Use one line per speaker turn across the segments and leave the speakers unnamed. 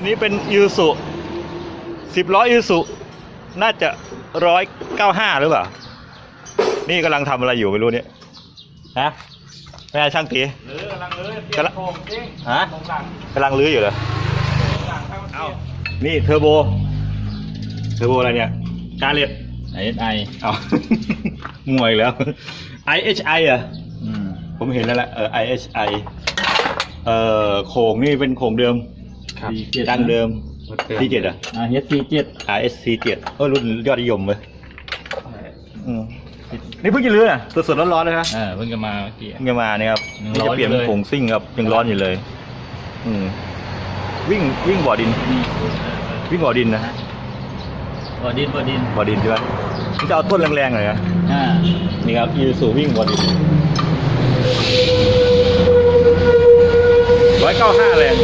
นี้เป็นยูสุ10 ล้อยูสุน่าจะ195หรือเปล่านี่กำลังทำอะไรอยู่ไม่รู้เนี่ยฮะไม่ใช่ช่างตี
กำลังลื้อเปลี่ยนโครงจริง
ฮะกำลังลื้ออยู่เหรอเอ้านี่เทอร์โบอะไรเนี่ยกาเล็ต
ISI
เอางวยแล้ว IHI อ่ะผมเห็นแล้วแหละIHI โค้งนี่เป็นโค้งเดิมดังเดิม C7 อ่ะ
RSC7
RSC7 รุ่นยอดนิยมเลยนี่เพิ่งจะลื้อน่ะสดๆร้อนๆเลยครับ
เพิ่งจะมาเมื่อกี้
เพิ่งจะมาเนี่ยครับนี่จะเปลี่ยนเป็นโค้งซิ่งครับยังร้อนอยู่เลยวิ่งบ่อดินนะฮะ
บ่อดิน
ใช่ไหมมันจะเอาต้นแรงๆหน่อยนะนี่ครับอีซูวิ่งบ่อดิน195แรง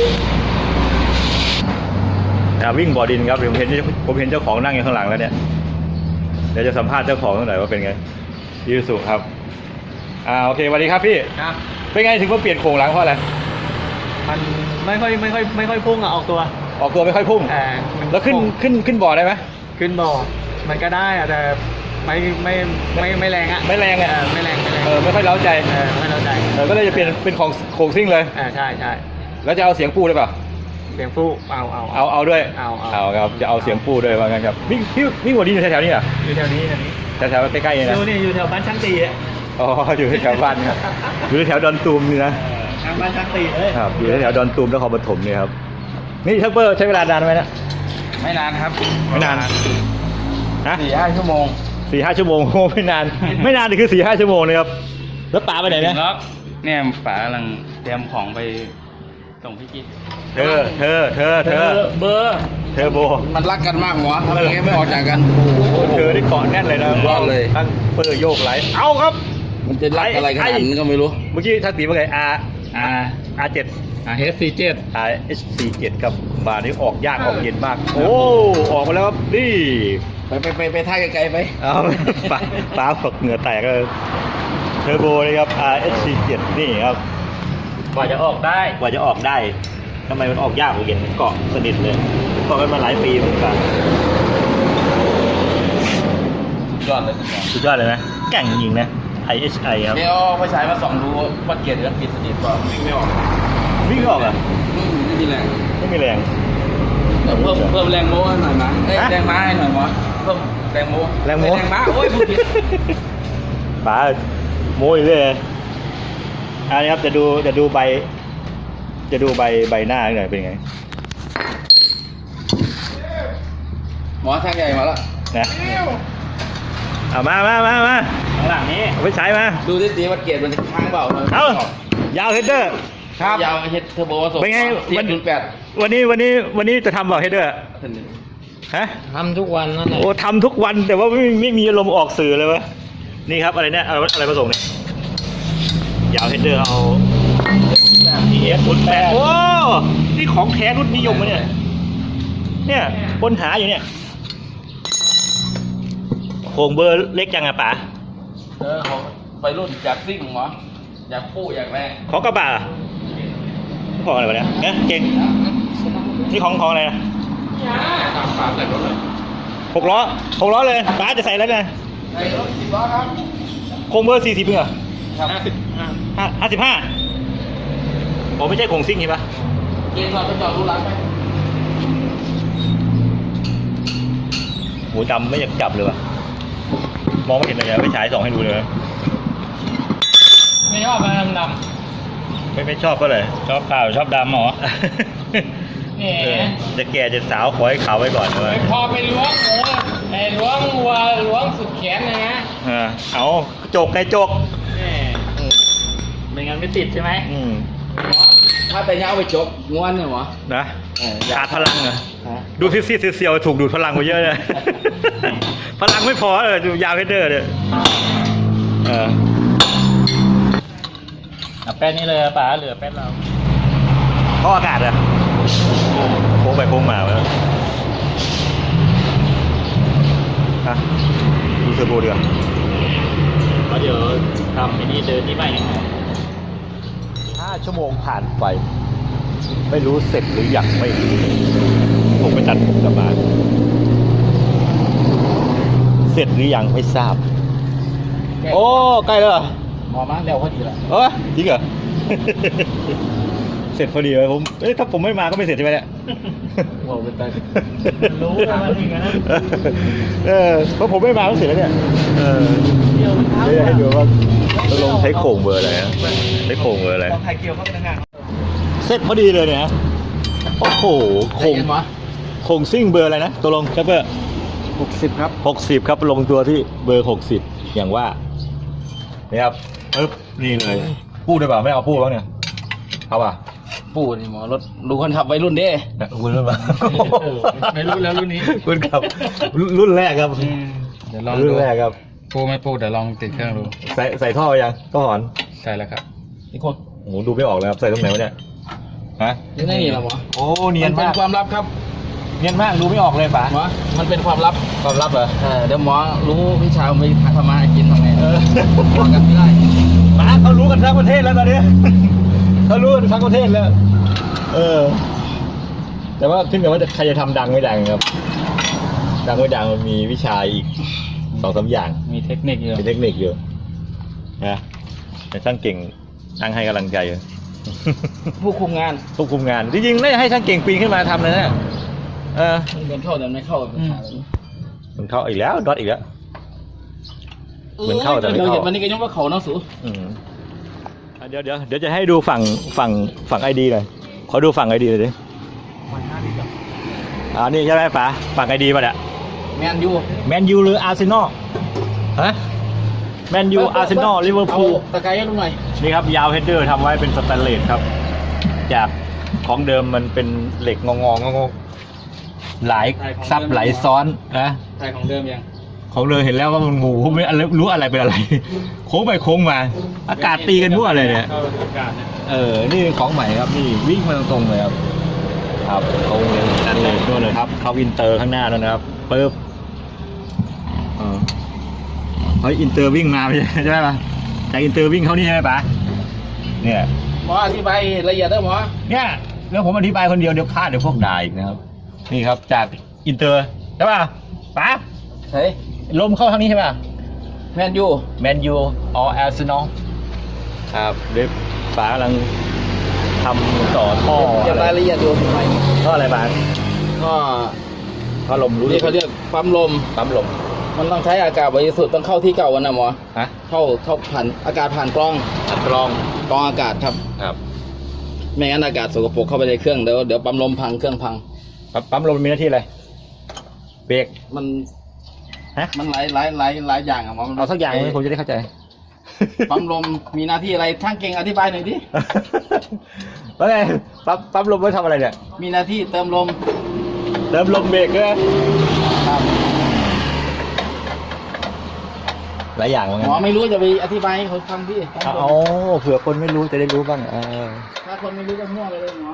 วิ่งบ่อดินครับผมเห็นเจ้าของนั่งอยู่ข้างหลังแล้วเนี่ยเดี๋ยวจะสัมภาษณ์เจ้าของหน่อยว่าเป็นไงอีซูครับโอเคสวัสดีครับพี่
ครับ
เป็นไงถึงมาเปลี่ยนโครงหลังเพราะอะไร
มันไม่ค่อยพุ่งออกตัว
ไม่ค่อยพุ่งแล้วขึ้นบ่อได้ไหม
ขึ้นบ่อมันก็ได้แต่ไม่แรงอ่ะ
ไม่แรงไม่ค่อยเล้าใจ
ไม่เล้าใจ
ก็เลยจะเปลี่ยนเป็นของโครงซิ่งเลย
ใช่
แล้วจะเอาเสียงปูได้ป่ะ
เสียงปู
เอาด้วยเอาครับจะเอาเสียงปูด้วยว่างั้นครับวิ่งหัวดินอยู่แถวๆนี้เหรอ
อยู่แถวนี้
แถวๆใกล้ๆนี่นะ
อยู่แถวบ้านช่างตีอ่ะ
อยู่แถวบ้านครับอยู่แถวดอนตูมนี่นะ
ทางบ้านช่างตีเลย
ครับอยู่แถวดอนตูมนครปฐมนี่ครับนี่ชักเปอร์ใช้เวลานานไหมนะ
ไม่นานครับ
ไม่นาน
นะ4-5 ชั่วโมง
4-5 ชั่วโมงไม่นานนี่คือ 4-5 ชั่วโมงนะครับแล้วป๋าไปไหนเนี่ย
ป๋ากำลังเตรียมของไปส่งพี่กิ๊ก
เธอ
เบอร์
เธอโบ
มันรักกันมากหรอทำไมไม่ออกจากกัน
เธอได้เกาะแน่นเลยนะ
รอดเลย
ตั้งเปอร์โยกไหลเอาครับ
มันจะรักอะไรขนาดนั้นก็ไม่รู้
เมื่อกี้ทักตีว่าไงR7
RSC7
ครับมานี่ออกยากออกเย็นมากออกมาแล้วครับนี่
ไปท่าไกลๆไป
ฟ้าฝักเหงื่อแตกเลยเทอร์โบเลยครับ RSC7 นี่ครับ
กว่าจะออกได้
ทำไมมันออกยากกว่าเย็นเกาะสนิทเลยเกาะกันมาหลายปีเหมือนกันสุดยอดเลยนะแก่งจริงนะ IHI ครับ
เนี่ยเอาไฟฉายมาส่องดูว่าเกียร์จะปิดสนิทป่ะวิ่งไม่ออก
อ่ะ
ไม่มีแรง
เ
พิ่มแรงโม้หน่อยมั้ยแรงม้าให้หน่อยมั้ยเพิ่มแรงม้าโอ้ยพูดผิด
ป๋าโม้เลยอันนี้ครับจะดูใบหน้าหน่อยเป็นไง
หมอช่างใหญ่มาแล้ว
นะเอามาข้างหลังนี้เอาไปใช้มา
ดูดิวัดเกียร์มันจะค้างเปล่
ายาวเฮดเดอร์
ครับยาวเฮดเทอร์โบผสม
เป็นไงวันนี้จะทำเปล่าเฮดเดอร์ฮะ
ทำทุกวันนั่นแหละ
ทำทุกวันแต่ว่าไม่มีอารมณ์ออกสื่อเลยวะนี่ครับอะไรเนี่ยอะไรผสมเนี่ยยาวเฮดเดอร์เอา TF08 โอ้นี่ของแท้รุ่นนิยมเนี่ยคนหาอยู่เนี่ยโครงเบอร์เล็กจังอะป๋า
ของไปรุ่นจากซิ่งหรออยากปู้อยากแรง
ของกระบะของอะไรวะเนี่ยเก่งนี่ของอะไรนะ6 ล้อเลยป๋าจะใส่แล้วไง
ใส่รถ10 ล้อครับ
โครงเบอร์40เหรอ55ผมไม่ใช่โครงซิ่งใช่ปะ
เกณฑ์ก่อนไปจอดรูร้านไป
หูดำไม่อยากจับเลยวะมองไม่เห็นเลยไปฉายส่องให้ดูเลย
ไม่ชอบดำ
ไม่ชอบก็เลย
ชอบขาวชอบดำหรอ
จะแก่จะสาวขอให้ขาวไว้ก่อนเลย
พอไปล้วงล้วงสุดแขนเลยนะ
เอาจก
ไม่งั้นไม่ติดใช่ไหมถ้าแต่เงาไปจกง้วนเนี่ยหรอ
นะขาดพลังเหรอดูซีดเซียวถูกดูดพลังไปเยอะเลยพลังไม่พอดูยาวเฮดเดอร์เนี่ย
แป้นนี่เลยป๋าเหลือแป้นเรา
ท่ออากาศอะโค้งไปโค้งมาแล้วดูเทอร์โบเดือด
เดี๋ยวทำไอ้นี่เดินนี่ไป5
ชั่วโมงผ่านไปไม่รู้เสร็จหรือยังไม่รู้ผมไปตัดผมกลับมาเสร็จหรือยังไม่ทราบโอ้ใกล้แล้วเหรอ
หมอมาเร็วพอดีละ
เออจริงเหรอ เสร็จพอดีเลยผมถ้าผมไม่มาก็ไม่เสร็จใช่ไหมเนี่ย
โอ้เป็นตา
รู้ว่ามันอย่างนั้น
เพราะผมไม่มาก็เสร็จแล้วเนี่ย
เกี่ยวมันเท้า
เดี๋ยวให้ดูว่าตกลงใช้โครงเบอร์อะไรนะใช้โครงเบอร์อะไร
ต้องไทยเกี่ยวเข้าไปทางงาน
เสร็จพอดีเลยเนี่ยโอ้โหโครงซิ่งเบอร์อะไรนะตกลงครับเบอร์
60ครับ
60ครับลงตัวที่เบอร์60อย่างว่านี่ครับปึ๊บนี่เลยพูดได้เปล่าไม่เอาพูดบ้างเนี่ยเอาป่ะ
ปู่นี่หมอรถดูคนขับวัยรุ่นเด้
คุณรุ่นป่ะ
ไม่รู้แล้วรุ่นนี้
คุณครับรุ่นแรกครับ
เดี๋ยวลอง
รุ่
ดู
นแรกครับ
ปูไม่ปูเดี๋ยวลองติดเครื่องดู
ใส่ท่อยังก็หอน
ใช่แล้วครับ
อีกคน
โอ้โหดูไม่ออกเลยครับใส่ตรงไหนวะเนี่ยฮะ
นี่นี่เหรอหมอ
โอ้เนียน
เป็
มาน ก
ความลับครับ
เนียนมากดูไม่ออกเลยป๋า
หมอมันเป็นความลับ
ความลับเหรอ
เดี๋ยวหมอรู้พี่ชายผมไปทำมาหากินทำไงบอกกันไม่ได้
ป๋าเขารู้กันทั้งประเทศแล้วตอนนี้ เขารู้กันทั้งประเทศแล้ว แต่ว่าขึ้นกับว่าใครจะทำดังไม่ดังครับ ดังไม่ดังมันมีวิชาอีก2-3อย่าง
มีเทคนิคอยู่
มีเทคนิคอยู่นะแต่ช่างเก่งนั่งให้กำลังใจอยู่
ผู้คุมงาน
ควบคุมงานจริงๆน่าจะให้ช่างเก่งปีนขึ้นมาทำเลยนะ
มันเป็นเข้าแต่ไม่เข้า
มันเข้าอีกแล้วดอทอีกแล้ว เหมือนเข้าแต่ไม่เข้า
เดี๋ยววันนี้ก็ยังว่าเขาเนาะสู
เดี๋ยวจะให้ดูฝั่งไอดีหน่อยขอดูฝั่งไอดีเลยดินี่ใช่ไหมป๋าฝั่งไอดีป่ะเนี่ย
แมนยู
แมนยูหรืออาร์เซนอลฮะแมนยูอาร์เซนอลลิเวอร์พูล
ตะไคร้ให้ลุงหน่อย
นี่ครับยาวเฮดเดอร์ทำไว้เป็นสแตนเลสครับ จากของเดิมมันเป็นเหล็กงอหลายซับหลายซ้อนนะ
ไทยของเดิมยัง
ของเลยเห็นแล้วว่ามันงูไม่รู้อะไรเป็นอะไร โค้งไปโค้งมา อากาศตีกันมั่วเลยเนี่ย
เข้าอากาศเนี่ย
นี่ของใหม่ครับนี่วิ่งมาตรงๆเลยครับครับเขาเลยนั่นเลยด้วยเลยครับเขาอินเตอร์ข้างหน้าด้วยนะครับปึ๊บเขาอินเตอร์วิ่งมาใช่ไหมจากอินเตอร์วิ่งเขานี่ใช่ไหมป๋าเนี่ย
หมออธิบายละเอียดได้หมอ
เนี่ยแล้วผมอธิบายคนเดียวเดี๋ยวพลาดเดี๋ยวพวกด่าอีกนะครับนี่ครับจากอินเตอร์ใช่ป่ะป๋า
เฮ้ย
ลมเข้าทางนี้ใช่ป่ะ
แมนยู
แมนยูอออาร์เซนอลครับเดี๋ยวป๋ากำลังทำต่อท่อ
เก็บรายละเอียดดูทำไม
ท่ออะไรป๋า
ก็
ท่อลมรู้
นี่เขาเรียกปั๊มลม
ปั๊มลม
มันต้องใช้อากาศบริสุทธิ์ต้องเข้าที่เก่าวันนะหมอ
ฮะ
เข้าผ่านอากาศผ่านกล้อง
อัดกรอง
กล้องอากาศครับ
ครับ
ไม่งั้นอากาศสกปรกเข้าไปในเครื่องเดี๋ยวปั๊มลมพังเครื่องพัง
ปั๊มลมมีหน้าที่อะไรเบรก
มัน
ฮะ
มันหลายอย่างอะหมอมัน
เอาสักอย่างเลยผมจะได้เข้าใจ
ปั๊มลมมีหน้าที่อะไรช่างเก่งอธิบายหน่อยดิ
แล้วไงปั๊มลมไว้ทำอะไรเนี่ย
มีหน้าที่เติมลม
เติมลมเบรกเลย
ครับ
หลายอย่างเหมือน
ห
กั
มอน ไม่รู้จะไปอธิบายให้เขาฟังพี่ปั๊มลม
เอาเผื่อคนไม่รู้จะได้รู้บ้าง
ถ้าคนไม่รู้ก็มั่วไปเลยหมอ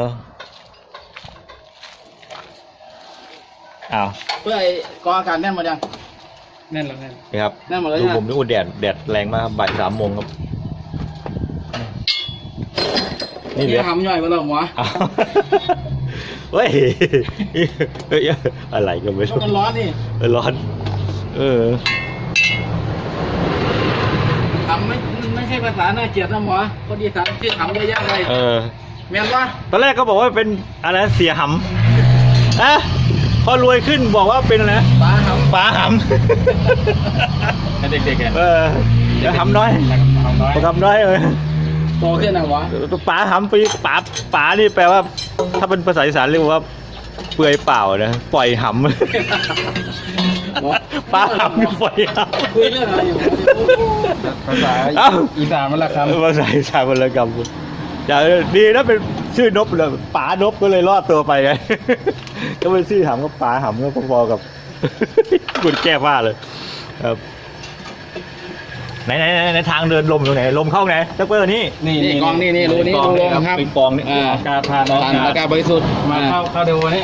อ้าว
เพื่อไอ้กองอากาศแน่นหมดยัง
แน่นแล้วแน่น
นี่ครับ
แน่นหมดแล้ว
ดู
นะ
ผมดูแดดแรงมากครับบ่าย3 โมงครับนี่เหลื
นี่
อ
ทำย่อยไปแล้วหมอ
อ้าวเฮ้ยเฮ้ยอะไรก็ไม่
ก็
รู้
มันร้อนนี่
ร้อน
ทำไม่ใช่ภาษาน่าเกลียดนะหมอคนอีสานที่ทำเยอะแยะเลยแม่นปะ
ตอนแรกก็บอกว่าเป็นอะไรเสียหำพอรวยขึ้นบอกว่าเป็นอะไร
ปลาหำ
ป๋าห
ให้เด็กๆอ่ะ
ำจะหำน้อย
ทำน้อย
หำน้อยเลย
โตขึ้นนะหมอ
ป๋าหำปีป๋านี่แปลว่า ถ้าเป็นภาษาอีสานเรียกว่าเปลือยเปล่านะปล่อยหำ
หมอ
ป๋าหำปล่อยห
คุยเรื่องอะไรอยู่
ภาษา
ำเอ้า
อีสานมันละคำ
ภาษาอีสานวรรณกรรมอย่าดีนะเป็นชื่อนบเลยป๋านบก็เลยรอดตัวไปไง ก็เป็นชื่อหำก็ป๋าหำก็พอๆกับ คุณแก้ผ้าเลยครับไหนทางเดินลมตรงไหนลมเข้าไหนจักเปอร์นี่
นี่กองนี่รูนี้รูลมครับ
เป็นกองนี่
อากาศผ่าน
ผ่านอากาศบริสุทธิ์
มาเข้าเทอร์โบนี่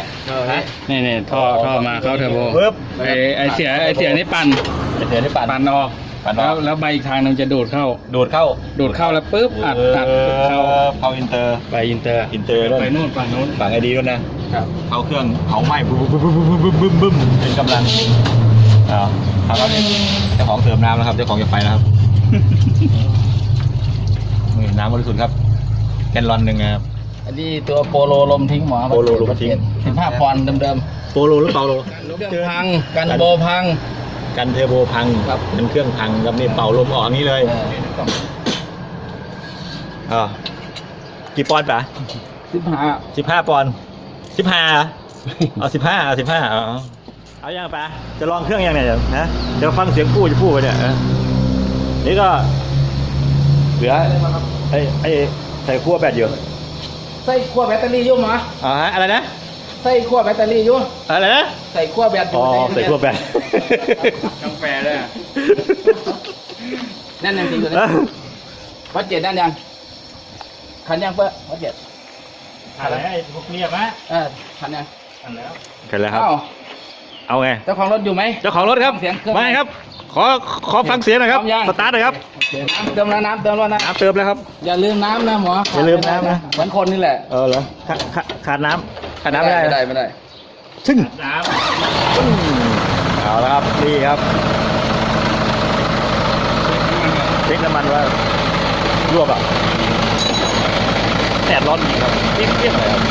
นี่ท่อมาเข้าเทอร์โบ
ปึ๊บ
ไอเสียนี่ปั่น
เดี๋ยวนี่ปั่น
ออก
ปันอ
แล้
อ
ว
ก
แล้วใบอีกทางหนึงจะดูดเข้า
โดดเข้า
ดูดเข้าแล้วปุ๊บอัดเข้า
เข้าอินเตอร์
ไปอินเตอร์
อินเตอร์ด้วย
ไปนู่นฝั่งนู้น
ฝั่งไอดีด้วยนะครับ เข้าเครื่องเผาไหม้บึ้มบึ้มบึ้มบึ้มบึ้มบึ้มเป็นกำลังครับแล้วนี่เจ้าของเติมน้ำแล้วครับเจ้าของจะไปแล้วครับ นี่น้ำบริสุทธิ์ครับแกนลอนหนึ่งนะครับ
อันนี้ตัวโปโลลมทิ้งหมอ
โปโลลมทิ้ง
15 ปอนด์เดิม
โปโลหรือเปาโล
ๆเครื่องพังกันโบพัง
กันเทอร์โบพัง
ครับ
มันเครื่องพังครับนี่เป่าลมออกอย่างนี้เลยกี่ปอนด์ปะ
15
15 ปอนด์15เอา15เอายังปะจะลองเครื่องยังเนี่ยนะเดี๋ยวฟังเสียงพูดจะพูดไปเนี่ยนี่ก็เหลือไอ้ใส่ขั้วแบตอยู่
ใส่ขั้วแบตเตอรี่อยู่หมอ
ฮะอะไรนะ
ใส่ขั้วแบตเตอรี่อยู่
อะไรนะ
ใส่ขั้วแบตอยู่
ใส่ขั้วแบต
กาแฟด้วย
นั่นยังจริงตัวนี้วัดเจ็ดนั่นยังคันยังเพื่อวัดเจ็ด
อะไรไอ้พวกเนี้ยปะ
คันยัง
อันแล้ว
กันแล้วครับ
อ้าว
เอาไง
เจ้าของรถอยู่ไหม
เจ้าของรถครับ
เสียงเครื่อง
มาครับ ขอฟังเสียงหน่อยครับ
พร้อมยัง
สตาร์ทหน่อยครับ
น้ำเติมแล้วน้ำเติมแล้วนะ
น้ำเติมแล้วครับ
อย่าลืมน้ำนะหมอ
อย่าลืมน้ำนะ
เหมือนคนนี่แหละ
เหรอขาดน้ำไม่ได้
ไม่ได้
ซึ่ง
น้
เอาแล้วครับนี่ครับเช็คน้ำมันว่ารั่วเปล่าแดดร้อนจริงครับเปรี้ยงๆเลยครับ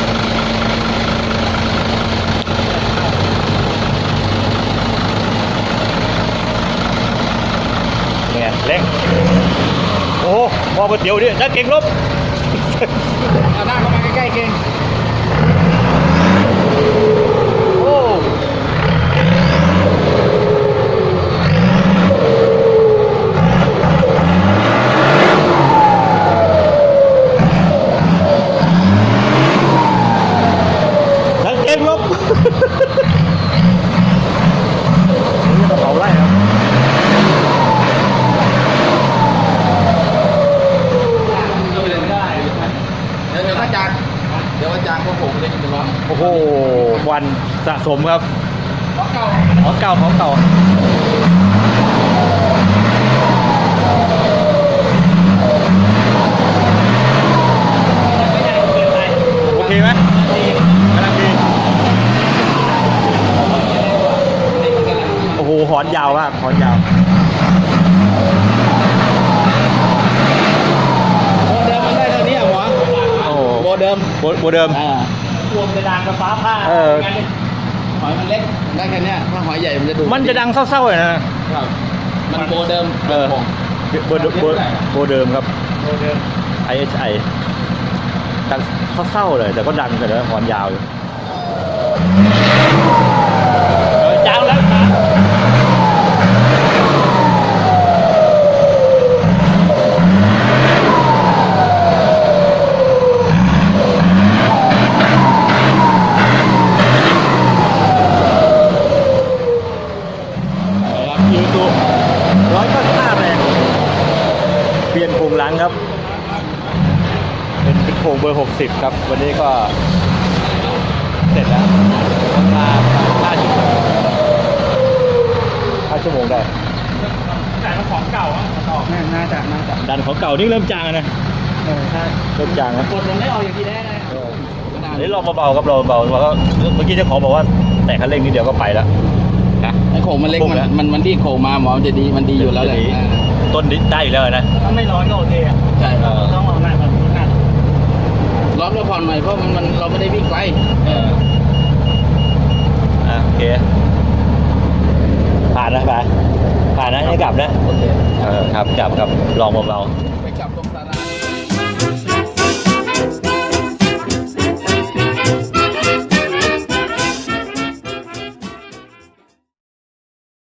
เนี่ยเร่งโอ้โหมองก๋วยเตี๋ยวดินักเก่งลบ
เอาหน้าเข้ามาใกล้ๆเก่งโอ้
นักเก่งลบ นี่กระเป๋าไล่ครับ
เดี๋ยวอาจารย์พวกผมเลยจะร้อน
โอ้โหควันสะสมครับ
ของเก่า
ของเก่าโอเคไหมกำลังดีโอ้โหหอนยาวมากหอนยาว
โมเดิมมันได้เท่านี้อ่ะหมอ
โอ้โห
โมเดิม
โมเดิม
ำรวมกระดานกับฟ้าผ้า
หอยมันเล็กได้แค่เนี้ยถ้าหอยใหญ่มันจะดู
มันจะดังเศร้าๆเลยนะ
ครับมันโมเดิม
โบเดิมครับ
โมเดิม
IHI ดังเศร้าๆเลยแต่ก็ดังแต่ละหอนยาวอยู่ยาวแล้วครับยูทูบ195แรงเปลี่ยนโครงหลังครับ เป็นโครงเบอร์ 60 ครับ วันนี้ก็เสร็จแล้วมา5 ชั่วโมง5 ชั่วโมงได้
แต่มันของเก่าอ่ะต่อ
น่าจะ
ดันของเก่านี่เริ่มจางแล้วนะเริ่มจางแล้ว
กดลงได้ออกอย่างที่ได้เลย
อันนี้ลองเบาๆครับลองเบาๆว่าเมื่อกี้เจ้าของบอกว่าแต่คันเร่งนิดเดียวก็ไปแล้วนะ
ไอ้โขงมันเล็กมันดีโขงมาหมอมันจะดีมันดีอยู่แล้วแหละ
ต้นได้อยู่แล้วนะ
ถ้าไม่ร้อนก็โอเคอ่ะ
ใช่
ต้องเอาหน้าก่อนหน้า
ร้อนก็ผ่อนหน่อยเพราะมันเราไม่ได้วิ่งไกล
โอเคผ่านนะผ่านนะให้กลับนะ
โอเค
ครับลองเบาๆ
ไปกลับตรงตลาด